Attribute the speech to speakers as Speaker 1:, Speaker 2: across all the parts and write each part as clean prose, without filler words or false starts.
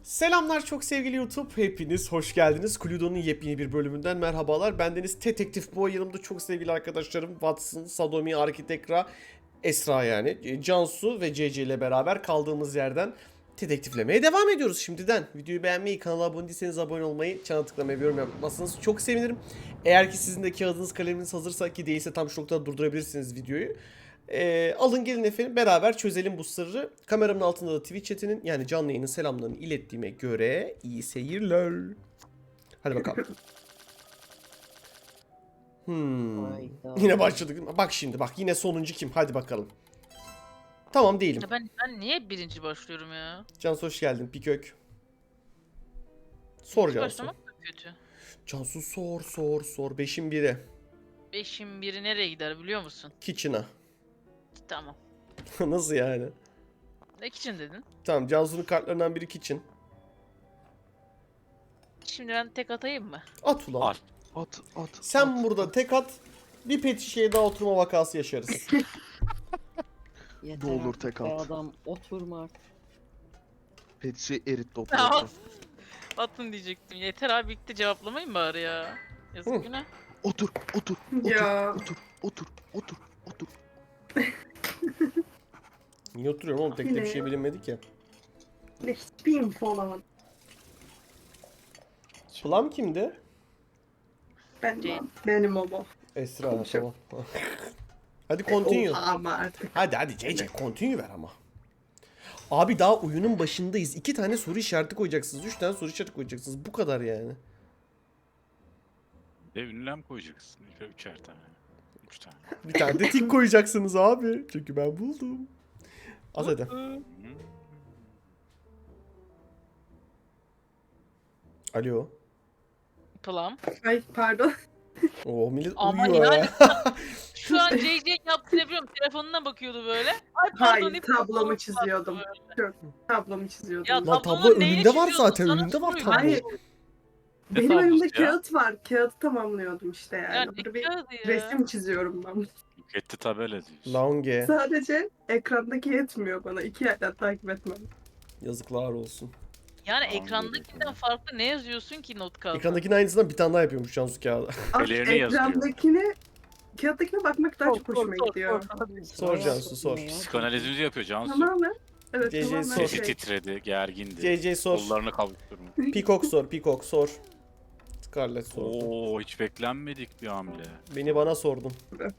Speaker 1: Selamlar çok sevgili YouTube. Hepiniz hoş geldiniz. Cluedo'nun yepyeni bir bölümünden merhabalar. Bendeniz Detektif Boy. Yanımda çok sevgili arkadaşlarım Watson, Sadomi, Arkitekra, Esra yani. Cansu ve CC ile beraber kaldığımız yerden dedektiflemeye devam ediyoruz şimdiden. Videoyu beğenmeyi, kanala abone değilseniz abone olmayı, çana tıklamayı ve yorum yapmazsanız çok sevinirim. Eğer ki sizin de kağıdınız kaleminiz hazırsa, ki değilse tam şu noktada durdurabilirsiniz videoyu. Alın gelin efendim, beraber çözelim bu sırrı. Kameramın altında da Twitch chatinin, yani canlı yayının selamlarını ilettiğime göre iyi seyirler. Hadi bakalım.
Speaker 2: Hayda.
Speaker 1: Yine başladık. Bak şimdi, bak yine sonuncu kim? Hadi bakalım. Tamam değilim.
Speaker 3: Ya ben niye birinci başlıyorum ya?
Speaker 1: Cansu hoş geldin. Pikök. Sor
Speaker 3: Hiç
Speaker 1: Cansu.
Speaker 3: başlamak da kötü.
Speaker 1: Cansu sor. Beşin biri.
Speaker 3: 5'in biri nereye gider biliyor musun?
Speaker 1: Kitchen'a.
Speaker 3: Tamam.
Speaker 1: Nasıl yani?
Speaker 3: Ne için dedin?
Speaker 1: Tamam, Cansu'nun kartlarından biri kitchen.
Speaker 3: Şimdi ben tek atayım mı?
Speaker 1: At ulan.
Speaker 4: At.
Speaker 1: Sen burada tek at. Bir pet şişeye daha oturma vakası yaşarız.
Speaker 2: Yeter
Speaker 4: Ne olur
Speaker 2: artık
Speaker 4: tek
Speaker 2: be
Speaker 4: at.
Speaker 2: adam oturma artık.
Speaker 4: Petsi erit
Speaker 3: Ya,
Speaker 4: toprağı.
Speaker 3: Atın diyecektim. Yeter abi, birlikte cevaplamayın bari ya.
Speaker 1: Hı.
Speaker 3: Yazık günah.
Speaker 4: Otur.
Speaker 5: Ya.
Speaker 4: Otur.
Speaker 1: Niye oturuyorum oğlum? Tek de bir şey bilinmedik ya.
Speaker 5: Ne hiçbir info alamadım.
Speaker 1: Plum kimdi?
Speaker 5: Benim o.
Speaker 1: Esra,
Speaker 5: Konuşalım.
Speaker 1: tamam. Hadi continue.
Speaker 5: Oha ama artık.
Speaker 1: Hadi CC continue ver ama. Abi daha oyunun başındayız. 2 tane soru işareti koyacaksınız. 3 tane soru işareti koyacaksınız. Bu kadar yani.
Speaker 6: Ve ünlem koyacaksın. Üçer tane. 3 tane.
Speaker 1: Bir tane de tik koyacaksınız abi. Çünkü ben buldum. Az hadi. Alo.
Speaker 3: Plum.
Speaker 5: Ay pardon.
Speaker 1: Oo millet
Speaker 3: Ama
Speaker 1: uyuyor
Speaker 3: yani-
Speaker 1: ya.
Speaker 3: Şu an JJ yaptığını biliyorum. Telefonuna bakıyordu böyle. Ay pardon.
Speaker 5: Hayır
Speaker 3: deyip
Speaker 5: tablomu
Speaker 3: telefonuna
Speaker 5: çiziyordum.
Speaker 3: baktı
Speaker 5: Tablomu çiziyordum.
Speaker 3: Ya,
Speaker 1: Lan tablo
Speaker 3: tablonun neyini
Speaker 1: önünde var
Speaker 3: çiziyorsun?
Speaker 1: zaten.
Speaker 3: Sana
Speaker 1: Önünde var
Speaker 3: soruyor.
Speaker 1: tablo.
Speaker 5: Hayır. Benim
Speaker 6: tablosu
Speaker 5: önümde
Speaker 6: ya?
Speaker 5: kağıt var. Kağıdı tamamlıyordum işte yani.
Speaker 3: Yani
Speaker 5: Burada bir
Speaker 3: kağıdı ya.
Speaker 5: resim çiziyorum ben.
Speaker 6: Buketti tabela diyorsun.
Speaker 1: Lange.
Speaker 5: Sadece ekrandaki yetmiyor bana. 2 yerden takip etmem.
Speaker 1: Yazıklar olsun.
Speaker 3: Yani
Speaker 6: Anladım.
Speaker 3: ekrandakinden farklı ne yazıyorsun ki not kağıdına?
Speaker 1: Ekrandakinin aynısından bir tane daha yapıyormuş Cansu kağıdı.
Speaker 6: Ellerini yazıyor.
Speaker 5: Kağıttakine bakmak daha çok hoşuma gidiyor.
Speaker 1: Sor Cansu, sor.
Speaker 6: Psikanalizimizi yapıyor Cansu.
Speaker 5: Tamamen. Evet
Speaker 1: CC
Speaker 5: tamamen
Speaker 1: sor.
Speaker 6: Sesi
Speaker 5: şey.
Speaker 6: titredi, gergindi.
Speaker 1: CC sor.
Speaker 6: Kollarını kavuşturma.
Speaker 1: Peacock sor. Scarlett sor.
Speaker 6: Oo, hiç beklenmedik bir hamle.
Speaker 1: Beni bana sordun.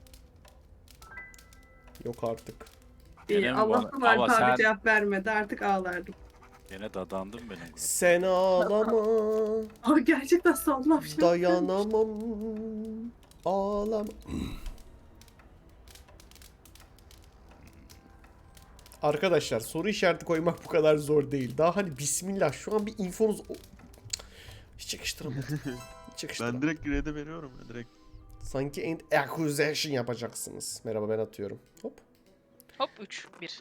Speaker 1: Yok artık.
Speaker 5: İyi,
Speaker 6: Gene mi
Speaker 5: Allah'tan
Speaker 6: bana? Ama
Speaker 5: Alp abi
Speaker 6: sen-
Speaker 5: cevap vermedi. Artık ağlardım.
Speaker 6: Gene dadandım benim.
Speaker 1: Sen ağlama,
Speaker 5: Abi gerçekten sallam şey.
Speaker 1: dayanamam, ağlama. Arkadaşlar soru işareti koymak bu kadar zor değil. Daha hani bismillah şu an bir infonuz... Hiç yakıştıramadım. Hiç yakıştıramadım.
Speaker 4: Ben direkt grade'e veriyorum ya direkt.
Speaker 1: Sanki end accusation yapacaksınız. Merhaba, ben atıyorum. Hop.
Speaker 3: Hop 3 1.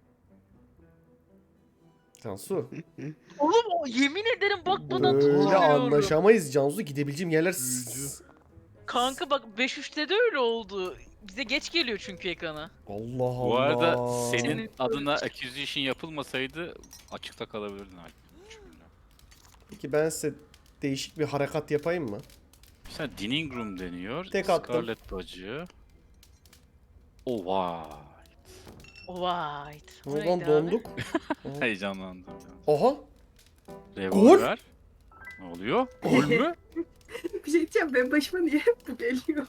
Speaker 1: Cansu.
Speaker 3: Oğlum yemin ederim bakmadan
Speaker 1: Böyle
Speaker 3: tutturuyorum.
Speaker 1: anlaşamayız Cansu. Gidebileceğim yerler...
Speaker 4: Büyücü.
Speaker 3: Kanka bak 5-3'te de öyle oldu. Bize geç geliyor çünkü ekrana.
Speaker 1: Allah Allah.
Speaker 6: Bu arada senin
Speaker 3: Senin-
Speaker 6: adına accusation yapılmasaydı açıkta kalabilirdin.
Speaker 1: Peki ben size değişik bir harekat yapayım mı?
Speaker 6: Sen Dining Room deniyor.
Speaker 1: Tek attım.
Speaker 6: Scarlet bacı. Oh vay.
Speaker 3: White. O
Speaker 1: Ulan
Speaker 3: neydi abi?
Speaker 1: donduk.
Speaker 6: Heyecanlandım.
Speaker 1: Oha.
Speaker 6: Revolver. Ne oluyor? Gol mü?
Speaker 5: Bir şey diyeceğim, benim başıma niye hep bu geliyor?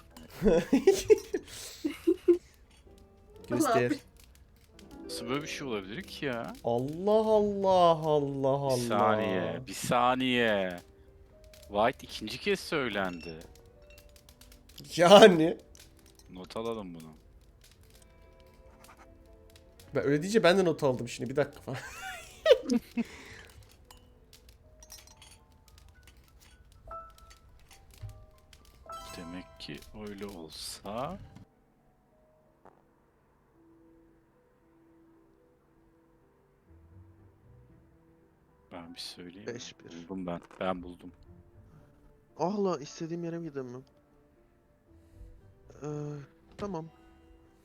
Speaker 1: Göster.
Speaker 6: Nasıl böyle bir şey olabilir ki ya?
Speaker 1: Allah Allah Allah Allah.
Speaker 6: Bir saniye. White ikinci kez söylendi.
Speaker 1: Yani.
Speaker 6: Not alalım bunu.
Speaker 1: Ben öyle deyince ben de not aldım şimdi, bir dakika falan.
Speaker 6: Demek ki öyle olsa... Ben bir söyleyeyim.
Speaker 4: 5-1.
Speaker 6: Buldum ben. Ben buldum.
Speaker 4: Ah la istediğim yere mi gideyim mi? Tamam.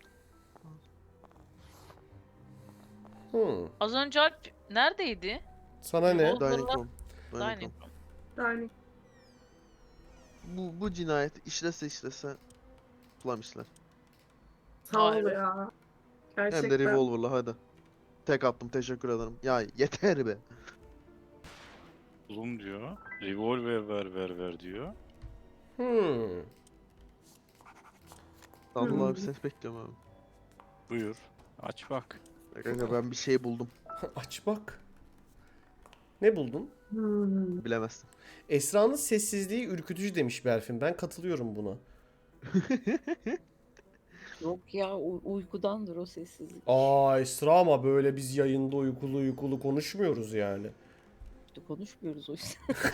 Speaker 1: Hmm.
Speaker 3: Az önce Alp neredeydi?
Speaker 1: Sana ne?
Speaker 3: Revolver'la
Speaker 4: Dining room. Dining
Speaker 3: Dining
Speaker 4: room.
Speaker 3: room.
Speaker 5: Yani
Speaker 4: Bu cinayet işlese kullanmışlar.
Speaker 5: sağ ol
Speaker 3: Hayır.
Speaker 5: ya.
Speaker 4: Hem de
Speaker 5: Gerçekten.
Speaker 4: revolver'la hadi. Tek attım, teşekkür ederim. Ya yeter be.
Speaker 6: Bulum diyor. Revolver ver diyor.
Speaker 1: Hmm.
Speaker 4: Sadullah abi seni bekliyorum abi.
Speaker 6: Buyur. Aç bak.
Speaker 4: Kanka ben bir şey buldum.
Speaker 1: Aç bak. Ne buldun?
Speaker 4: Bilemezsin.
Speaker 1: Esra'nın sessizliği ürkütücü demiş Berfin. Ben katılıyorum buna.
Speaker 2: Yok ya uykudandır o sessizlik.
Speaker 1: Aa Esra ama böyle biz yayında uykulu konuşmuyoruz yani.
Speaker 2: İşte konuşmuyoruz o yüzden.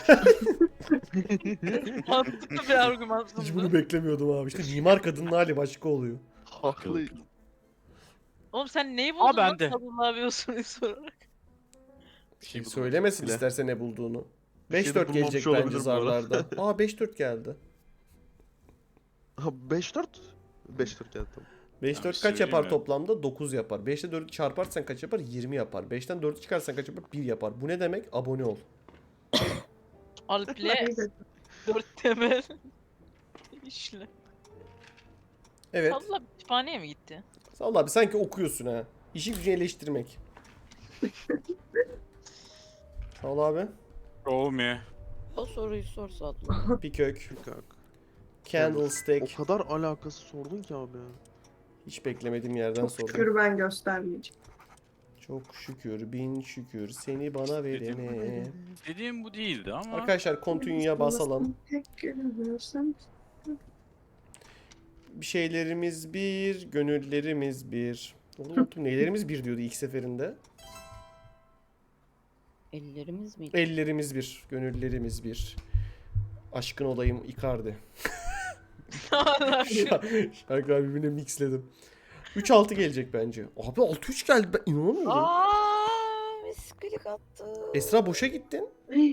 Speaker 3: Mantıklı bir argüman
Speaker 1: Hiç
Speaker 3: sundu.
Speaker 1: bunu beklemiyordum abi. İşte mimar kadının hali başka oluyor.
Speaker 4: Haklı.
Speaker 3: Oğlum sen neyi buldun
Speaker 6: ben
Speaker 3: lan
Speaker 6: de.
Speaker 3: Sadullah abi o soruyu sorarak?
Speaker 6: Bir şey buldum.
Speaker 1: Söylemesin
Speaker 4: Bile.
Speaker 1: isterse ne bulduğunu.
Speaker 4: Bir şey de
Speaker 1: 5-4 gelecek
Speaker 4: bulmamış
Speaker 1: bence
Speaker 4: olabilir bu arada.
Speaker 1: zarlarda. Aa 5-4 geldi.
Speaker 4: Ha 5-4? 5-4 geldi tamam.
Speaker 1: 5-4
Speaker 6: bir
Speaker 1: kaç
Speaker 6: söyleyeyim
Speaker 1: yapar
Speaker 6: mi?
Speaker 1: toplamda? 9 yapar. 5'te 4'ü çarparsan kaç yapar? 20 yapar. 5'ten 4'ü çıkarsan kaç yapar? 1 yapar. Bu ne demek? Abone ol.
Speaker 3: Alp'le
Speaker 5: Evet.
Speaker 3: 4 temel işle.
Speaker 1: Evet.
Speaker 3: Sadullah kütüphaneye mi gitti?
Speaker 1: Vallahi abi sanki okuyorsun ha. İşi gücünü eleştirmek. Sağ ol abi.
Speaker 6: Show me.
Speaker 2: O soruyu sor Sadullah.
Speaker 1: Bir kök.
Speaker 4: Kanka.
Speaker 1: Candlestick.
Speaker 4: O kadar alakası sordun ki abi.
Speaker 1: Hiç beklemediğim yerden
Speaker 5: Çok
Speaker 1: sordum.
Speaker 5: şükür ben göstermeyeceğim.
Speaker 1: Çok şükür, bin şükür seni bana verene.
Speaker 6: Dediğim bu değildi ama.
Speaker 1: Arkadaşlar continue'ya basalım.
Speaker 5: Tek görüyorsan.
Speaker 1: Bir şeylerimiz bir, gönüllerimiz bir. Oğlum unuttum nelerimiz bir diyordu ilk seferinde.
Speaker 2: Ellerimiz miydi?
Speaker 1: Ellerimiz bir, gönüllerimiz bir. Aşkın olayım Icardi.
Speaker 3: Hala şu.
Speaker 1: Şarkılar birbirine mixledim. 3-6 gelecek bence. Abi 6-3 geldi ben inanamıyorum.
Speaker 2: Aaa miskilik attı.
Speaker 1: Esra boşa gittin.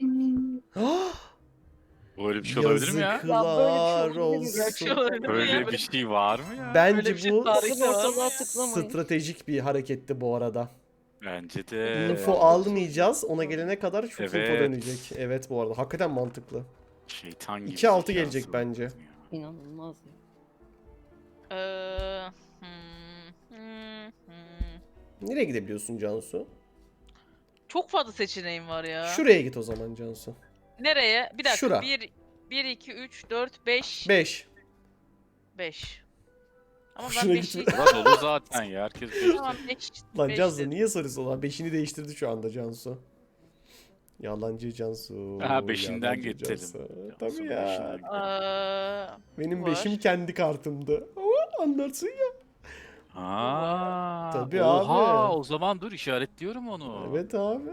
Speaker 6: Böyle bir şey olabilir mi ya?
Speaker 1: Yazıklar
Speaker 2: Ya böyle bir şey olabilir mi?
Speaker 3: Böyle bir şey
Speaker 1: olsun.
Speaker 3: olabilir mi
Speaker 6: Böyle
Speaker 3: ya?
Speaker 6: bir şey var mı ya?
Speaker 1: Bence
Speaker 3: Böyle bir şey
Speaker 1: bu
Speaker 3: tarihte
Speaker 2: Sakın
Speaker 3: var mı
Speaker 2: ortalığa
Speaker 3: ya?
Speaker 2: tıklamayın.
Speaker 1: stratejik bir hareketti bu arada.
Speaker 6: Bence de.
Speaker 1: Info almayacağız. Ona gelene kadar çok info
Speaker 6: Evet.
Speaker 1: dönecek. Evet bu arada. Hakikaten mantıklı.
Speaker 6: Şeytan gibi.
Speaker 1: 2-6
Speaker 6: zekası
Speaker 1: gelecek
Speaker 6: var
Speaker 1: bence.
Speaker 6: ya.
Speaker 2: İnanılmaz ya.
Speaker 1: Nereye gidebiliyorsun Cansu?
Speaker 3: Çok fazla seçeneğim var ya.
Speaker 1: Şuraya git o zaman Cansu.
Speaker 3: Nereye? Bir dakika.
Speaker 1: Şura.
Speaker 3: 1, 2, 3, 4, 5.
Speaker 1: 5.
Speaker 3: 5. Ama
Speaker 1: Hoşuna
Speaker 3: ben 5'i...
Speaker 1: gitme.
Speaker 6: Bura dolu zaten ya. Herkes beşte.
Speaker 3: Tamam 5.
Speaker 1: Lan Cansu niye soruyorsun lan? 5'ini değiştirdi şu anda Cansu. Yalancı Cansu.
Speaker 6: Ha, beşinden
Speaker 1: yalancı
Speaker 6: getirelim.
Speaker 1: Cansu.
Speaker 6: Cansu'nun
Speaker 1: Tabii ya.
Speaker 6: beşinden getirelim.
Speaker 1: Benim
Speaker 3: var.
Speaker 1: 5'im kendi kartımdı. Ama anlarsın ya.
Speaker 6: Aa,
Speaker 1: Tabii
Speaker 6: oha,
Speaker 1: abi.
Speaker 6: o zaman dur işaretliyorum onu.
Speaker 1: Evet abi.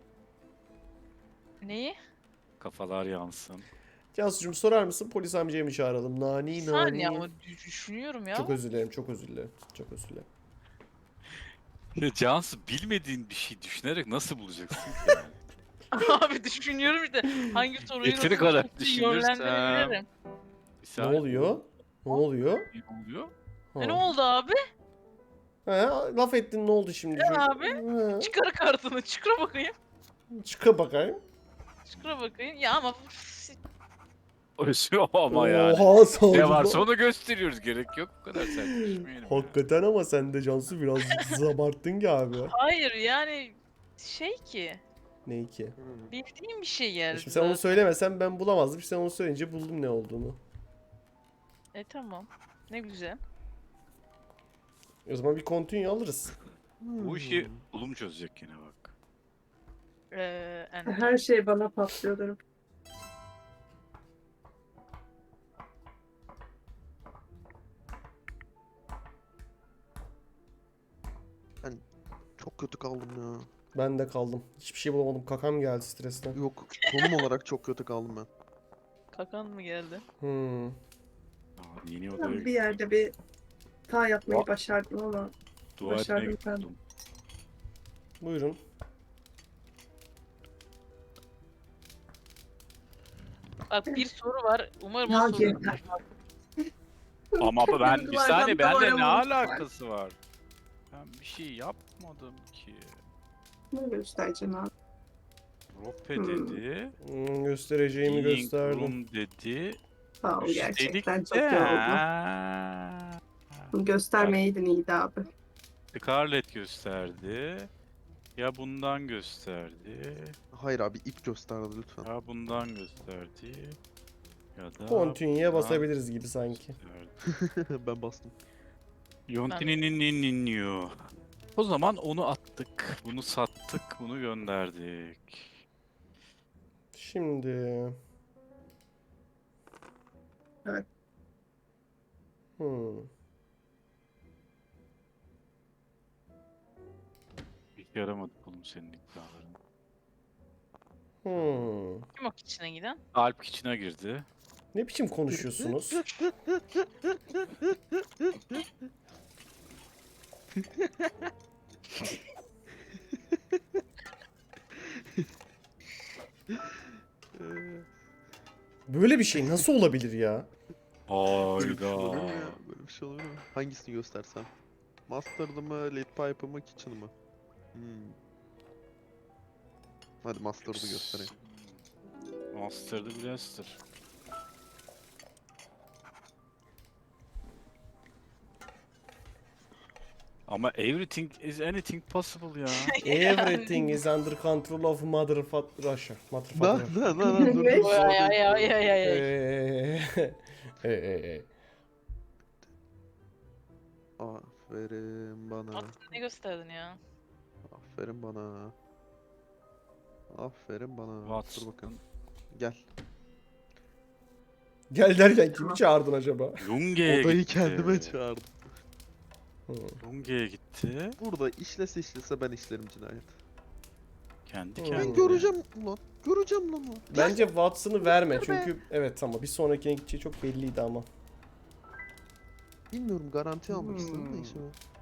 Speaker 3: Neyi?
Speaker 6: Kafalar yansın.
Speaker 1: Cansu'cum sorar mısın? Polis amcayı mı çağıralım?
Speaker 3: Bir
Speaker 1: Nani
Speaker 3: saniye
Speaker 1: nani.
Speaker 3: ama düşünüyorum ya.
Speaker 1: Çok özür dilerim, çok özür dilerim. Çok özür dilerim.
Speaker 6: Ya Cansu bilmediğin bir şey düşünerek nasıl bulacaksın ki yani?
Speaker 3: Abi düşünüyorum işte. Hangi soruyu
Speaker 6: Yeteri
Speaker 3: nasıl
Speaker 6: kadar
Speaker 3: nasıl
Speaker 6: düşünürsem.
Speaker 3: yönlendirebilirim.
Speaker 6: Bir
Speaker 1: Ne
Speaker 6: saniye,
Speaker 1: oluyor? Ne oluyor?
Speaker 6: Ne oluyor?
Speaker 1: Ha.
Speaker 3: Ne oldu abi?
Speaker 1: Ha, laf ettin ne oldu şimdi?
Speaker 3: Ne abi?
Speaker 1: Ha,
Speaker 3: Çıkar kartını, çıkara bakayım.
Speaker 1: çıka bakayım.
Speaker 3: Çıkara bakayım. Ya ama
Speaker 6: Özüyor ama yani.
Speaker 1: Oha sağ ol.
Speaker 6: Ne varsa onu gösteriyoruz. Gerek yok bu kadar sert düşmeyelim. ya.
Speaker 1: Hakikaten ama sen de Cansu biraz zabarttın ki abi.
Speaker 3: hayır yani şey ki
Speaker 1: Ne ki?
Speaker 3: bildiğim bir şey yani.
Speaker 1: Şimdi sen onu söylemesen ben bulamazdım. Sen onu söyleyince buldum ne olduğunu.
Speaker 3: Tamam. Ne güzel.
Speaker 1: O zaman bir continue alırız.
Speaker 6: Bu işi Ulum çözecek yine bak.
Speaker 5: Her şey bana patlıyordur.
Speaker 4: Çok kötü kaldım ya.
Speaker 1: Ben de kaldım. Hiçbir şey bulamadım. Kakam geldi stresten.
Speaker 4: Yok, konum olarak çok kötü kaldım ben.
Speaker 3: Kakan mı geldi?
Speaker 1: Hmm.
Speaker 6: Aa, yeni
Speaker 5: Ben
Speaker 6: odaya
Speaker 5: bir yerde bir hata yapmayı
Speaker 6: Aa.
Speaker 5: başardım ama
Speaker 6: dua etmeye
Speaker 5: başardım ben.
Speaker 6: gittim.
Speaker 1: Buyurun.
Speaker 3: Bak bir soru var. Umarım
Speaker 5: Ya
Speaker 3: o soru.
Speaker 5: yeter.
Speaker 6: Ama ben bir
Speaker 5: Kırmızılardan
Speaker 6: saniye bende ne
Speaker 5: doğramamış var.
Speaker 6: alakası var? Ben bir şey yapmadım ki.
Speaker 5: Ne göstereceğim abi?
Speaker 6: Rope dedi.
Speaker 1: Göstereceğimi
Speaker 6: Healing
Speaker 1: gösterdim.
Speaker 6: Room dedi.
Speaker 5: Sağ ol,
Speaker 6: Üstelik
Speaker 5: gerçekten
Speaker 6: de-
Speaker 5: çok yoruldum.
Speaker 6: Ha.
Speaker 5: Göstermeyeydin iyiydi abi.
Speaker 6: Scarlet gösterdi. Ya bundan gösterdi.
Speaker 4: Hayır abi ip gösterdi lütfen.
Speaker 6: Ya bundan gösterdi. Ya da
Speaker 1: Continue'ye
Speaker 6: bundan
Speaker 1: basabiliriz gibi sanki.
Speaker 6: gösterdi.
Speaker 4: Ben bastım.
Speaker 6: Yontininin. O zaman onu attık. Bunu sattık. Bunu gönderdik.
Speaker 1: Şimdi...
Speaker 5: Evet.
Speaker 1: Hmm.
Speaker 6: Hiç yaramadı oğlum senin iddiaların.
Speaker 1: Hmm.
Speaker 3: Kim o içine giden?
Speaker 6: Alp içine girdi.
Speaker 1: Ne biçim konuşuyorsunuz? Böyle bir şey nasıl olabilir ya?
Speaker 4: Böyle bir şey
Speaker 6: Hayda.
Speaker 4: olabilir mi ya? Böyle bir şey olabilir mi? Hangisini göstersem? Master'dı mı, lead pipe'ı mı, kitchen'ı mı? Hadi Master'dı göstereyim.
Speaker 6: Master'dı Blaster. Ama everything is anything possible ya.
Speaker 1: Everything is under control of Mother Russia. Mother
Speaker 4: Na
Speaker 1: Father.
Speaker 4: na na na dur.
Speaker 5: Ne?
Speaker 4: dur,
Speaker 3: Ay ay ay ay ay.
Speaker 1: Eee.
Speaker 4: Aferin bana.
Speaker 3: Aslında ne gösterdin ya?
Speaker 4: Aferin bana. Aferin bana.
Speaker 6: Watson.
Speaker 4: Dur bakalım. Gel.
Speaker 1: Gel derken kimi çağırdın acaba?
Speaker 6: Lunge'ye
Speaker 4: Odayı
Speaker 6: gitti.
Speaker 4: kendime çağırdım.
Speaker 6: Lunge'ye gitti.
Speaker 4: Burada işlese ben işlerim cinayet.
Speaker 6: Kendi
Speaker 1: Ben
Speaker 4: Ben
Speaker 6: kendine.
Speaker 4: göreceğim lan. Göreceğim lan.
Speaker 1: Bence Watson'ı verme çünkü evet ama bir sonrakine gideceği çok belliydi ama.
Speaker 4: Bilmiyorum garanti almak istedim de işe.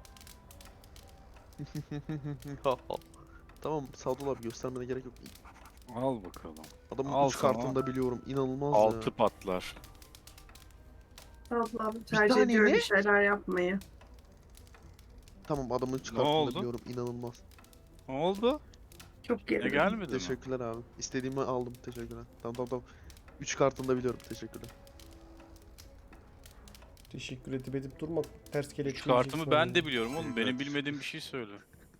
Speaker 4: Tamam Sadullah abi göstermene gerek yok.
Speaker 6: Al bakalım.
Speaker 4: Adamın
Speaker 6: Al
Speaker 4: 3
Speaker 6: sana.
Speaker 4: kartını da biliyorum. İnanılmaz
Speaker 6: 6
Speaker 4: ya.
Speaker 6: patlar.
Speaker 5: Abla abi tercih
Speaker 4: tane
Speaker 5: ediyor
Speaker 4: ne?
Speaker 5: bir şeyler yapmayı.
Speaker 4: Tamam adamın 3
Speaker 6: Ne
Speaker 4: kartını
Speaker 6: oldu?
Speaker 4: da biliyorum. İnanılmaz.
Speaker 6: Ne oldu?
Speaker 5: Çok
Speaker 6: Ne
Speaker 5: gerilim.
Speaker 6: gelmedi mi?
Speaker 4: Teşekkürler abi. İstediğimi aldım. Teşekkürler. Tamam. 3 kartını da biliyorum. Teşekkürler.
Speaker 1: Teşekkür edip durma. Ters
Speaker 6: Üç
Speaker 1: kelepçe
Speaker 6: kartımı ben de biliyorum oğlum.
Speaker 4: Teşekkürler.
Speaker 6: Benim bilmediğim bir şey söyle.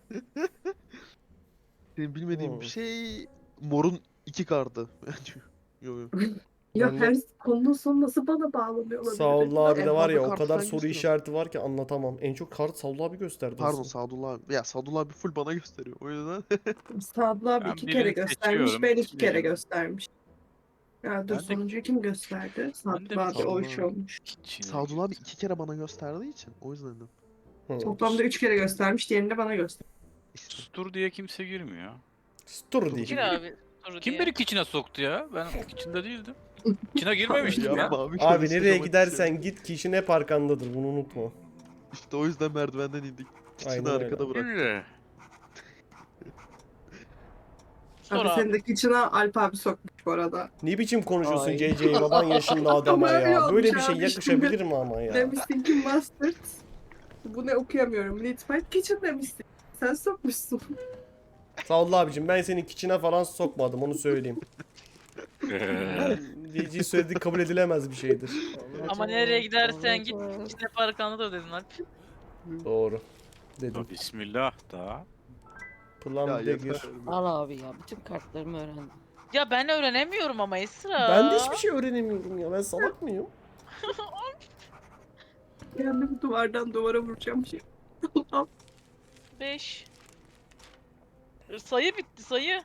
Speaker 4: Senin bilmediğin
Speaker 1: Hmm.
Speaker 4: bir şey morun 2 kartı. Yo.
Speaker 5: Ya
Speaker 1: Ben de-
Speaker 5: her konunun sonu nasıl bana bağlanıyor olabilir?
Speaker 1: Saul abi
Speaker 4: En
Speaker 1: de var
Speaker 4: fazla
Speaker 1: ya o
Speaker 4: kart
Speaker 1: kadar
Speaker 4: sen
Speaker 1: soru
Speaker 4: gösteriyorsun.
Speaker 1: işareti var ki anlatamam. En çok kart Saul abi gösterdi.
Speaker 4: Pardon
Speaker 1: aslında.
Speaker 4: Sadullah abi. Ya Sadullah abi full bana gösteriyor. O yüzden.
Speaker 5: Sadullah abi
Speaker 6: Ben
Speaker 5: 2
Speaker 6: birini
Speaker 5: kere göstermiş,
Speaker 6: seçiyorum,
Speaker 5: ben 2 kere
Speaker 6: birini.
Speaker 5: göstermiş. Ya dur
Speaker 6: Ben de-
Speaker 5: sonuncuyu kim gösterdi?
Speaker 6: Ben de
Speaker 5: Sadullah abi o
Speaker 4: Sadullah
Speaker 5: iş
Speaker 4: abi.
Speaker 5: olmuş.
Speaker 6: İçine
Speaker 4: Sadullah abi
Speaker 6: girdi.
Speaker 4: 2 kere bana gösterdiği için. O yüzden de.
Speaker 1: Hı.
Speaker 5: Toplamda 3 kere göstermiş, diğerini de bana göstermiş.
Speaker 4: İşte.
Speaker 6: Sustur diye kimse girmiyor.
Speaker 1: Dur
Speaker 3: Gir
Speaker 1: diyeceğim.
Speaker 3: abi. Soru
Speaker 6: Kim
Speaker 3: diye.
Speaker 6: beni içine soktu ya? Ben içinde değildim. İçine girmemiştim ya.
Speaker 4: Yapma abi.
Speaker 1: Abi
Speaker 4: konuştuk
Speaker 1: nereye
Speaker 4: ama
Speaker 1: gidersen git kişinin hep arkandadır bunu unutma.
Speaker 4: İşte o yüzden merdivenden indik.
Speaker 1: Aynen
Speaker 4: İçini
Speaker 1: öyle.
Speaker 4: arkada bırak.
Speaker 6: Öyle.
Speaker 3: Sor
Speaker 5: Abi
Speaker 3: abi.
Speaker 5: senin de içine Alp abi sokmuş bu arada.
Speaker 1: Ne biçim konuşuyorsun
Speaker 5: Ay.
Speaker 1: CC baban yaşında adama
Speaker 5: Ama öyle
Speaker 1: ya. Böyle
Speaker 5: olmuş
Speaker 1: bir şey
Speaker 5: abi
Speaker 1: yakışabilir mi ama ya?
Speaker 5: Demişsin ki Mustard. Bu ne okuyamıyorum. Lead Pipe Kitchen demişsin. Sen sokmuşsun.
Speaker 1: Sağ ol abicim ben senin kiçine falan sokmadım onu söyleyeyim. DC söylediği kabul edilemez bir şeydir.
Speaker 3: Ama nereye gidersen git içine parkanda da dedin Alp.
Speaker 1: Doğru. Dedim.
Speaker 6: Ya Bismillah da.
Speaker 1: Plan
Speaker 4: Ya
Speaker 1: Dagger.
Speaker 4: yeter.
Speaker 2: Al abi ya bütün kartlarımı öğrendim.
Speaker 3: Ya ben öğrenemiyorum ama Esra.
Speaker 1: Ben de hiçbir şey öğrenemiyorum ya. Ben salak mıyım?
Speaker 5: Kendimi duvardan duvara vuracağım şey. Allah'ım.
Speaker 3: 5. Sayı bitti sayı.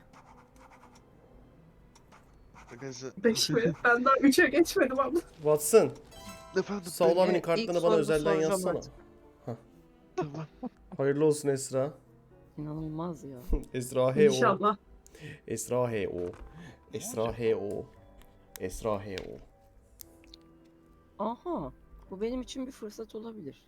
Speaker 4: Arkadaşlar.
Speaker 5: 5 mi? Ben daha 3'e geçmedim ama.
Speaker 1: Watson,
Speaker 4: Efendim.
Speaker 1: Saul abinin
Speaker 2: ilk
Speaker 1: kartlarını bana
Speaker 2: sorumu
Speaker 1: özelden
Speaker 2: soracağım
Speaker 1: yazsana.
Speaker 2: artık.
Speaker 4: Tamam.
Speaker 1: Hayırlı olsun Esra.
Speaker 2: İnanılmaz ya.
Speaker 1: Esra H.O.
Speaker 5: İnşallah.
Speaker 1: Esra H.O. Esra H.O. Esra H.O.
Speaker 2: Aha. Bu benim için bir fırsat olabilir.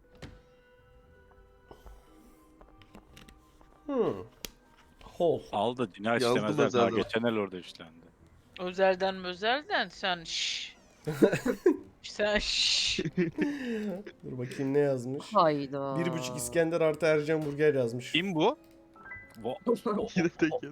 Speaker 1: Hol.
Speaker 6: Al da cinayet
Speaker 4: Yazdım
Speaker 6: işlemezler. Daha
Speaker 4: özelden.
Speaker 6: geçen el orada işlendi.
Speaker 3: Özelden mözelden sen şşş. Sen şşş.
Speaker 1: Dur bakayım ne yazmış.
Speaker 2: Hayda.
Speaker 1: 1,5 İskender artı Ercan Burger yazmış.
Speaker 6: Kim bu?
Speaker 4: Yine tek yedi.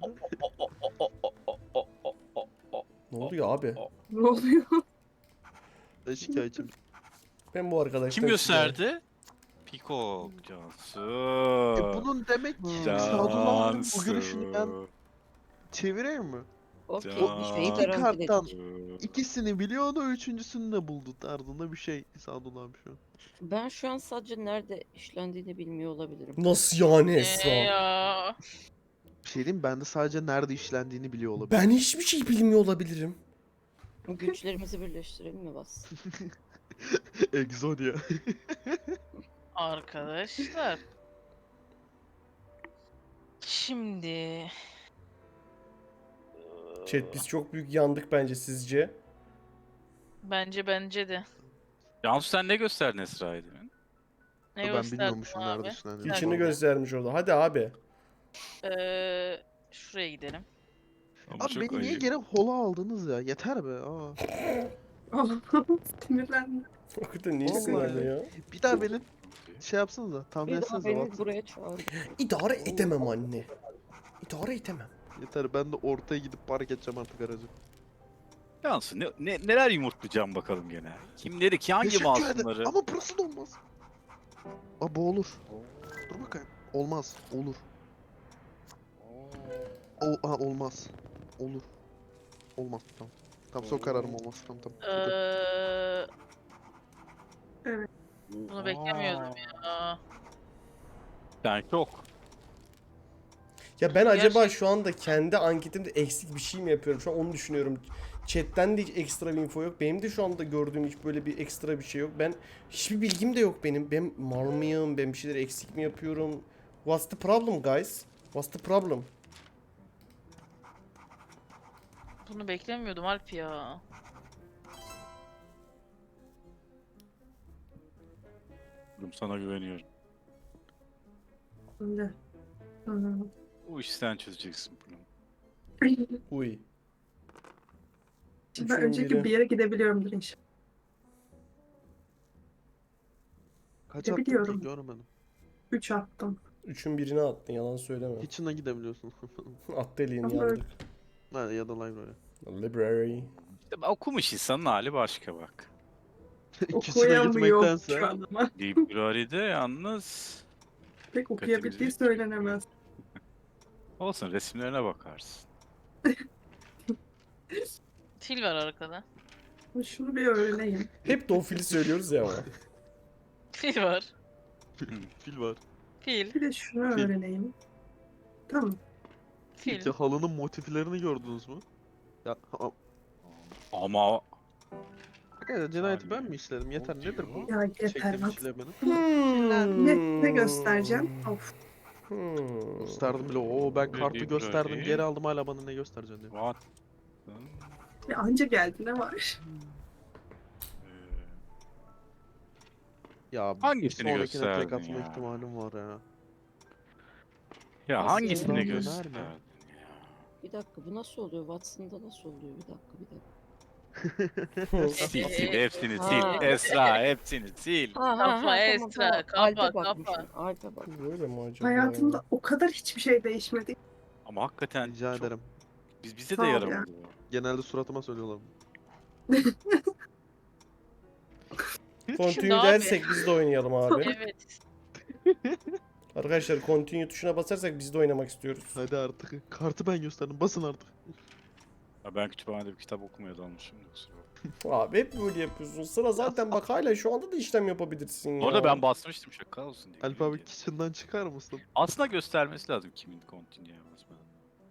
Speaker 1: Ne oluyor abi?
Speaker 5: Ne oluyor?
Speaker 4: Ben şikayetçiyim.
Speaker 1: Ben bu arkadaşlar...
Speaker 6: Kim gösterdi? Peacock Cansu.
Speaker 4: Bunun demek ki
Speaker 2: Can-
Speaker 4: Sadullah bu görüşünü ben çevireyim mi?
Speaker 2: Okey.
Speaker 6: Can-
Speaker 2: Şeyi
Speaker 4: İki
Speaker 2: garanti
Speaker 4: karttan
Speaker 2: edeyim.
Speaker 4: ikisini biliyordu, üçüncüsünü de buldu tarzında bir şey Sadullah abi şu an.
Speaker 2: Ben şu an sadece nerede işlendiğini bilmiyor olabilirim.
Speaker 1: Nasıl yani Esra?
Speaker 3: Ya.
Speaker 4: Bir şey diyeyim mi? Ben de sadece nerede işlendiğini biliyor olabilirim.
Speaker 1: Ben hiçbir şey bilmiyor olabilirim.
Speaker 2: Güçlerimizi birleştirelim mi Bas?
Speaker 4: Exodia.
Speaker 3: Arkadaşlar. Şimdi.
Speaker 1: Chat biz çok büyük yandık bence sizce.
Speaker 3: Bence de.
Speaker 6: Cansu sen ne gösterdin Esra'ya demin?
Speaker 3: Ne
Speaker 4: Ben
Speaker 3: gösterdim
Speaker 4: bilmiyormuşum
Speaker 3: abi?
Speaker 4: nerede işlendiğini.
Speaker 1: İçini
Speaker 4: Pardon.
Speaker 1: göstermiş orada. Hadi abi.
Speaker 3: Şuraya gidelim.
Speaker 6: Ama
Speaker 4: Abi
Speaker 6: çok
Speaker 4: beni niye
Speaker 6: ayıp.
Speaker 4: geri hola aldınız ya? Yeter be. Aa.
Speaker 5: Sinirlendim.
Speaker 1: Hakikaten niye
Speaker 4: Vallahi
Speaker 1: sinirli ya?
Speaker 4: Bir daha beni şey yapsanıza. Tahmin
Speaker 2: Bir daha
Speaker 4: etsenize.
Speaker 2: beni
Speaker 4: Watson.
Speaker 2: buraya çağır.
Speaker 1: İdare edemem anne. İdare edemem.
Speaker 4: Yeter, ben de ortaya gidip park edeceğim artık aracı.
Speaker 6: Cansu neler yumurtlayacağım bakalım gene. Kimleri ki hangi
Speaker 4: Teşekkür ederim.
Speaker 6: masumları?
Speaker 4: Ama burası da olmaz. Aa bu olur. Dur bakayım. Olmaz. Olur. Olmaz. Olur. Olmaz. Tamam. Tamam son kararım olmaz. Tamam tamam.
Speaker 3: Ee, Bunu beklemiyordum ya.
Speaker 6: Yani çok.
Speaker 1: Ya ben acaba
Speaker 3: Gerçekten-
Speaker 1: şu anda kendi anketimde eksik bir şey mi yapıyorum? Şu an onu düşünüyorum. Chat'ten de hiç ekstra bir info yok. Benim de şu anda gördüğüm hiç böyle bir ekstra bir şey yok. Ben hiçbir bilgim de yok benim. Ben mal mıyım? Ben bir şeyleri eksik mi yapıyorum? What's the problem guys? What's the problem?
Speaker 3: Bunu beklemiyordum Alp ya.
Speaker 6: Sana güveniyorum.
Speaker 5: Şimdi.
Speaker 6: Bu işi sen çözeceksin bunu.
Speaker 1: Uy.
Speaker 5: Şimdi ben
Speaker 1: Üçün
Speaker 5: önceki
Speaker 1: biri.
Speaker 5: bir yere gidebiliyorumdur inşallah.
Speaker 4: Kaç
Speaker 5: Ne
Speaker 4: attın ki
Speaker 5: biliyorum.
Speaker 4: görmedim.
Speaker 5: 3 attım.
Speaker 1: Üçün birine attın yalan söyleme.
Speaker 4: Kitchen'a gidebiliyorsun.
Speaker 1: At deliğin
Speaker 5: Ama
Speaker 1: yandık.
Speaker 4: Ha, ya da library.
Speaker 1: Library.
Speaker 6: İşte okumuş insanın hali başka bak.
Speaker 4: Kitchen'a
Speaker 5: Okuyamıyor
Speaker 4: gitmektense.
Speaker 5: şu an ama.
Speaker 6: Library'de yalnız
Speaker 5: Pek okuyabildiği
Speaker 6: Dikkatimizi-
Speaker 5: söylenemez.
Speaker 6: olsun resimlerine bakarsın.
Speaker 3: Fil var arkada.
Speaker 5: Şunu bir öğreneyim.
Speaker 1: Hep de o fili söylüyoruz ya ama.
Speaker 3: Fil var.
Speaker 4: Fil var.
Speaker 3: Fil.
Speaker 5: Bir de şunu
Speaker 4: Fil.
Speaker 5: öğreneyim. Tamam.
Speaker 3: Fil.
Speaker 4: Peki halının motiflerini gördünüz mü? Ya
Speaker 6: Ama
Speaker 4: Arkadaşlar cinayeti ben mi işledim? Yeter nedir bu?
Speaker 5: Ya yeter
Speaker 4: Çektiğim
Speaker 5: bak.
Speaker 4: işlemenin.
Speaker 5: Ne göstereceğim? Of.
Speaker 4: Gösterdim bile. Oo ben kartı
Speaker 6: Library.
Speaker 4: gösterdim. Geri aldım hala bana ne göstereceksin diyor.
Speaker 6: what?
Speaker 5: Ya anca geldi ne var?
Speaker 4: Ya
Speaker 6: Hangisini
Speaker 4: sonrakine tek
Speaker 6: gösterdin
Speaker 4: atma
Speaker 6: ya?
Speaker 4: ihtimalim var ya.
Speaker 6: Ya
Speaker 2: Nasıl
Speaker 6: hangisini
Speaker 4: ya?
Speaker 6: gösterdin ya?
Speaker 2: Bir dakika bu nasıl oluyor? Watson'da nasıl oluyor? Bir dakika.
Speaker 6: Sil hepsini
Speaker 2: Ha.
Speaker 6: sil. Esra hepsini sil.
Speaker 3: Kapa Esra, kapa,
Speaker 2: Alp'e
Speaker 3: kapa.
Speaker 2: bakmışım. Alp'e bak.
Speaker 1: Böyle mi acaba?
Speaker 5: Hayatımda o kadar hiçbir şey değişmedi.
Speaker 6: Ama hakikaten
Speaker 4: Rica
Speaker 6: çok,
Speaker 4: ederim.
Speaker 6: bize
Speaker 5: Sağ
Speaker 6: de
Speaker 5: ol
Speaker 6: yaramadı bu.
Speaker 4: Genelde suratıma söylüyorlar.
Speaker 1: Continue
Speaker 3: abi.
Speaker 1: dersek biz de oynayalım abi.
Speaker 3: Evet.
Speaker 1: Arkadaşlar continue tuşuna basarsak biz de oynamak istiyoruz.
Speaker 4: Hadi artık. Kartı ben gösterdim. Basın artık.
Speaker 6: Ya ben kütüphanede bir kitap okumaya dalmışım. Kusura bakma.
Speaker 1: Abi hep böyle yapıyorsun. Sıra zaten bak hala şu anda da işlem yapabilirsin ya.
Speaker 6: Orada ben basmıştım şaka olsun diye.
Speaker 4: Alp abi kitchen'dan çıkar mısın?
Speaker 6: Aslında göstermesi lazım kimin continue'ye basmadığını.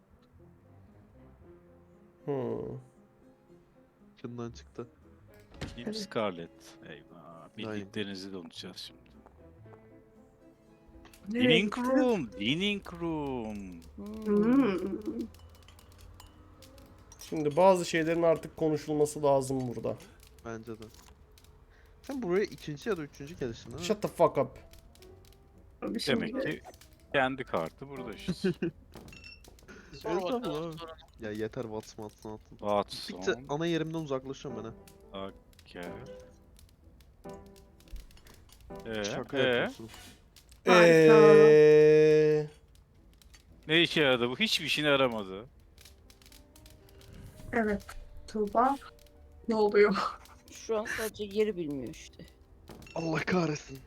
Speaker 4: Kitchen'dan çıktı.
Speaker 6: Kim Scarlett? Eyvah. Bildiklerinizi de unutacağız şimdi.
Speaker 5: Nereye
Speaker 6: Dining
Speaker 5: gitti?
Speaker 6: room. Dining room.
Speaker 5: Hmm.
Speaker 1: Şimdi bazı şeylerin artık konuşulması lazım burada.
Speaker 4: Bence de. Sen buraya ikinci ya da üçüncü geliştin ha?
Speaker 1: Shut the fuck up.
Speaker 5: Bir şey
Speaker 6: Demek ki kendi kartı burada işte.
Speaker 3: Sor
Speaker 4: Evet
Speaker 3: bakalım
Speaker 4: abi.
Speaker 3: sorunu.
Speaker 4: Ya yeter Watson attın.
Speaker 6: Watson.
Speaker 4: Gittikçe ana yerimden uzaklaşıyorum ben ha.
Speaker 6: Gel.
Speaker 4: Şaka
Speaker 6: Ee?
Speaker 4: yapıyorsun.
Speaker 5: Harika.
Speaker 6: Ne işe yaradı bu? Hiçbir işine yaramadı.
Speaker 5: Evet. Tuğba. Ne oluyor?
Speaker 2: Şu an sadece yeri bilmiyor işte.
Speaker 4: Allah kahretsin.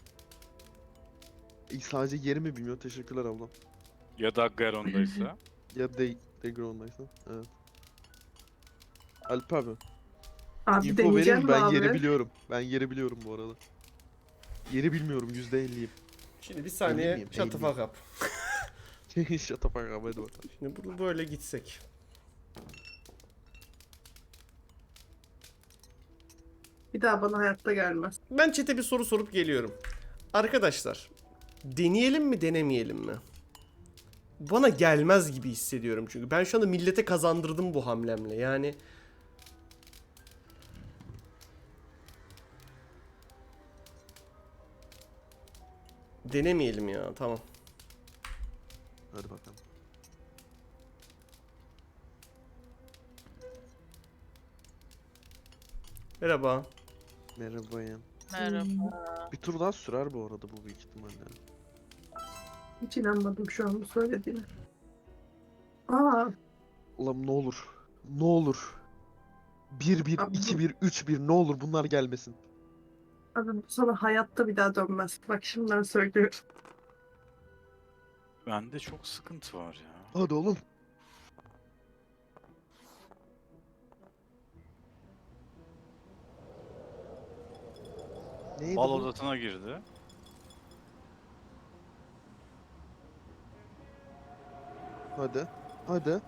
Speaker 4: Sadece yerimi bilmiyor. Teşekkürler ablam.
Speaker 6: Ya da Garon'daysa.
Speaker 4: Ya Degron'daysa. Evet. Alp abi.
Speaker 5: Abi
Speaker 4: İnfo vereyim
Speaker 5: deneyeceğim
Speaker 4: mi? Ben
Speaker 5: abi.
Speaker 4: yeri biliyorum. Ben yeri biliyorum bu arada. Yeri bilmiyorum. %50'yim.
Speaker 1: Şimdi bir saniye
Speaker 4: miyim?
Speaker 1: shut the
Speaker 4: Eğil
Speaker 1: fuck up.
Speaker 4: Shut up abi, hadi bakalım.
Speaker 1: Şimdi bunu böyle gitsek.
Speaker 5: Bir daha bana hayatta gelmez.
Speaker 1: Ben chat'e bir soru sorup geliyorum. Arkadaşlar, deneyelim mi denemeyelim mi? Bana gelmez gibi hissediyorum çünkü. Ben şu anda millete kazandırdım bu hamlemle. Yani denemeyelim ya. Tamam.
Speaker 4: Hadi bakalım.
Speaker 1: Merhaba.
Speaker 4: Merhaba ya.
Speaker 3: Merhaba.
Speaker 4: Bir tur daha sürer bu arada bu büyük ihtimalle.
Speaker 5: Hiç inanmadım şu an bu söylediğine. Aa,
Speaker 4: Ulan ne olur. Ne olur. 1-1,
Speaker 5: Abi bu-
Speaker 4: 2-1, 3-1 ne olur bunlar gelmesin.
Speaker 5: abi bu sana hayatta bir daha dönmez. Bak şimdiden söylüyorum.
Speaker 6: Bende çok sıkıntı var ya.
Speaker 4: Hadi oğlum. Neydi
Speaker 6: Bal
Speaker 4: bu?
Speaker 6: odasına girdi.
Speaker 4: Hadi. Hadi.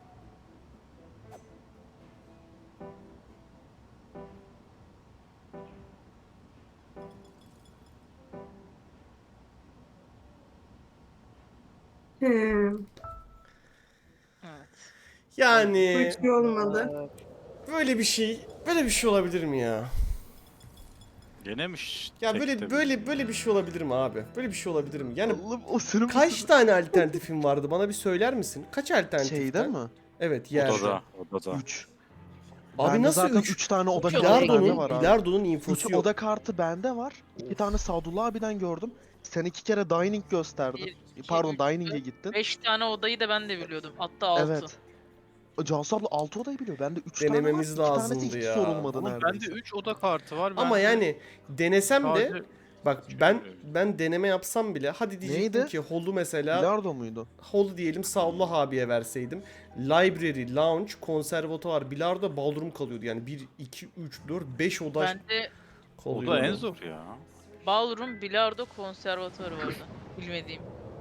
Speaker 5: Hmm,
Speaker 3: Evet.
Speaker 5: bu
Speaker 1: Yani
Speaker 5: hiç iyi olmadı.
Speaker 1: böyle bir şey olabilir mi ya?
Speaker 6: Denemiş.
Speaker 1: Ya
Speaker 6: tekte
Speaker 1: böyle bir şey olabilir mi abi? Böyle bir şey olabilir mi? Yani
Speaker 4: Allah'ım o senin
Speaker 1: kaç tane alternatifin vardı? Bana bir söyler misin? Kaç alternatiften?
Speaker 4: Şeyde mi?
Speaker 1: Evet, yerde.
Speaker 6: Odada.
Speaker 4: 3.
Speaker 1: Abi
Speaker 4: Bende
Speaker 1: nasıl
Speaker 4: zaten
Speaker 1: 3?
Speaker 4: 3 tane oda
Speaker 3: Üç
Speaker 4: kartı
Speaker 3: oda
Speaker 4: bende
Speaker 1: Bilardo'nun,
Speaker 4: var abi.
Speaker 1: Bilardo'nun
Speaker 4: 3
Speaker 1: infosu yok.
Speaker 4: oda kartı bende var. 2 tane Sadullah abiden gördüm. Sen 2 kere dining gösterdin.
Speaker 3: Bir, iki,
Speaker 4: Pardon
Speaker 3: üç,
Speaker 4: dining'e
Speaker 3: dört,
Speaker 4: gittin.
Speaker 3: 5 tane odayı da ben de biliyordum. Hatta 6.
Speaker 4: Evet. Cansu abla 6 odayı biliyor. Bende 3 tane var.
Speaker 1: Denememiz
Speaker 4: 2 tanesi
Speaker 1: lazımdı
Speaker 4: hiç
Speaker 1: ya.
Speaker 4: sorulmadı
Speaker 6: Ama
Speaker 4: neredeyse.
Speaker 6: bende 3 oda kartı var.
Speaker 1: Ama
Speaker 6: bende
Speaker 1: yani denesem de
Speaker 6: sadece
Speaker 1: bak
Speaker 6: Çünkü-
Speaker 1: ben deneme yapsam bile hadi diyecektim
Speaker 4: Neydi?
Speaker 1: ki Hall'u mesela
Speaker 4: Bilardo muydu?
Speaker 1: Hall'u diyelim Saullah abiye verseydim. Library, Lounge, Konservatuvar, Bilardo, Ballroom kalıyordu. Yani 1, 2, 3, 4, 5 oda
Speaker 3: Bende
Speaker 1: kalıyordu.
Speaker 6: oda en zor ya.
Speaker 3: ballroom, bilardo, konservatuarı vardı. Bilmediğim.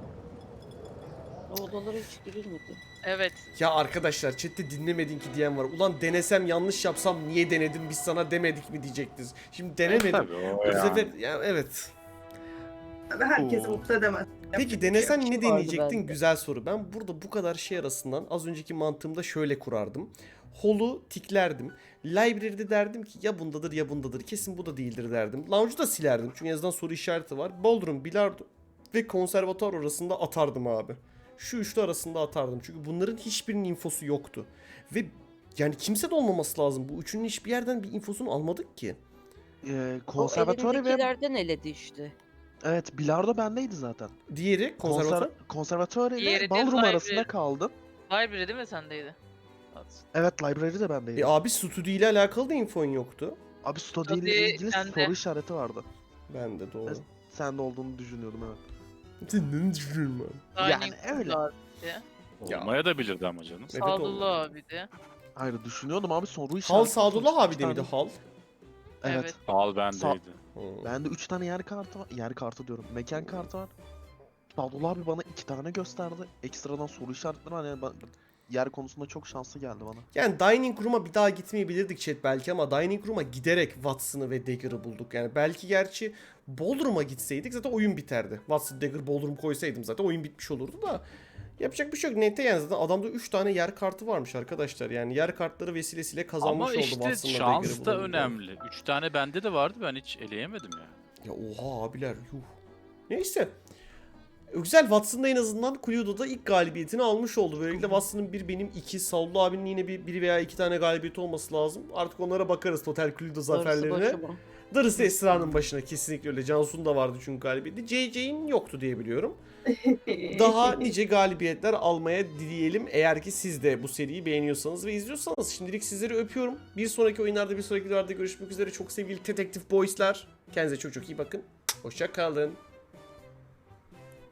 Speaker 2: O odalara hiç girilmedi.
Speaker 3: Evet.
Speaker 1: Ya arkadaşlar chatte dinlemedin ki diyen var. Ulan denesem yanlış yapsam niye denedim biz sana demedik mi diyecektiniz. Şimdi denemedim.
Speaker 6: Tabii o
Speaker 1: Bu
Speaker 6: ya.
Speaker 1: sefer ya evet.
Speaker 5: Abi herkesi
Speaker 4: Oo.
Speaker 5: mutlu edemez.
Speaker 1: Peki
Speaker 5: Yapacak
Speaker 1: denesen
Speaker 5: bir şey
Speaker 1: ne
Speaker 2: vardı
Speaker 1: deneyecektin?
Speaker 2: bende.
Speaker 1: Güzel soru. Ben burada bu kadar şey arasından az önceki mantığımda şöyle kurardım. Hall'u tiklerdim. Library'de derdim ki ya bundadır ya bundadır. Kesin bu da değildir derdim. Lounge'u da silerdim. Çünkü en azından soru işareti var. Ballroom, bilardo ve konservatuar arasında atardım abi. Şu üçlü arasında atardım. Çünkü bunların hiçbirinin infosu yoktu. Ve yani kimse de olmaması lazım. Bu üçünün hiçbir yerden bir infosunu almadık ki.
Speaker 4: Konservatuarı ve...
Speaker 2: elindekilerden eledi işte.
Speaker 4: Evet, Bilardo bendeydi zaten.
Speaker 1: Diğeri konservatuar.
Speaker 4: Konservatuarı
Speaker 3: Diğeri
Speaker 4: ile
Speaker 3: de
Speaker 4: Ballroom
Speaker 3: library.
Speaker 4: arasında kaldım.
Speaker 3: Library değil mi sendeydi? Watson.
Speaker 4: Evet, Library de bendeydi.
Speaker 1: Abi stüdyo ile alakalı da infon yoktu.
Speaker 4: Abi Study
Speaker 3: Study
Speaker 4: ile ilgili
Speaker 3: bende.
Speaker 4: soru işareti vardı.
Speaker 1: Ben de doğru.
Speaker 4: Evet. Sende olduğunu düşünüyordum evet.
Speaker 1: Sen ne düşünüyorsun abi?
Speaker 4: Yani
Speaker 3: Dining
Speaker 4: öyle.
Speaker 3: abi de.
Speaker 6: Olmaya da bilirdi ama canım.
Speaker 1: Evet,
Speaker 3: Sadullah abi de.
Speaker 4: Hayır düşünüyordum abi soru işareti.
Speaker 1: Hal Sadullah abi
Speaker 4: İki
Speaker 1: de miydi
Speaker 4: tane-
Speaker 1: Hal?
Speaker 4: Evet.
Speaker 3: Evet.
Speaker 6: Al bendeydi.
Speaker 4: Bende 3 tane yer kartı var. Yer kartı diyorum. Mekan kartı var. Sadullah abi bana 2 tane gösterdi. Ekstradan soru işaretleri var. Yani yer konusunda çok şanslı geldi bana.
Speaker 1: Yani Dining Room'a bir daha gitmeyebilirdik chat belki ama Dining Room'a giderek Watson'ı ve Dagger'ı bulduk. Yani belki gerçi Ballroom'a gitseydik zaten oyun biterdi. Watson, Dagger, Ballroom koysaydım zaten oyun bitmiş olurdu da. Yapacak bir şey yok. Nete yani zaten adamda 3 tane yer kartı varmış arkadaşlar. Yani yer kartları vesilesiyle kazanmış
Speaker 6: Ama
Speaker 1: oldu
Speaker 6: işte
Speaker 1: Watson'la Dagger'ı
Speaker 6: şans da
Speaker 1: bulunca.
Speaker 6: önemli. 3 tane bende de vardı, ben hiç eleyemedim ya.
Speaker 1: Ya oha abiler yuh. Neyse. Güzel, Watson'da en azından Cluedo'da ilk galibiyetini almış oldu. Böylelikle Watson'ın bir, benim iki, Saullu abinin yine bir veya iki tane galibiyeti olması lazım. Artık onlara bakarız total Cluedo
Speaker 2: Darısı
Speaker 1: zaferlerine.
Speaker 2: başıma.
Speaker 1: Darısı Esra'nın başına, kesinlikle öyle. Cansu'nun da vardı çünkü galibiyeti. JJ'in yoktu diye biliyorum. Daha nice galibiyetler almaya dileyelim. Eğer ki siz de bu seriyi beğeniyorsanız ve izliyorsanız, şimdilik sizleri öpüyorum. Bir sonraki oyunlarda, bir sonraki videolarda görüşmek üzere. Çok sevgili Detective Boys'lar. Kendinize çok çok iyi bakın. Hoşça kalın.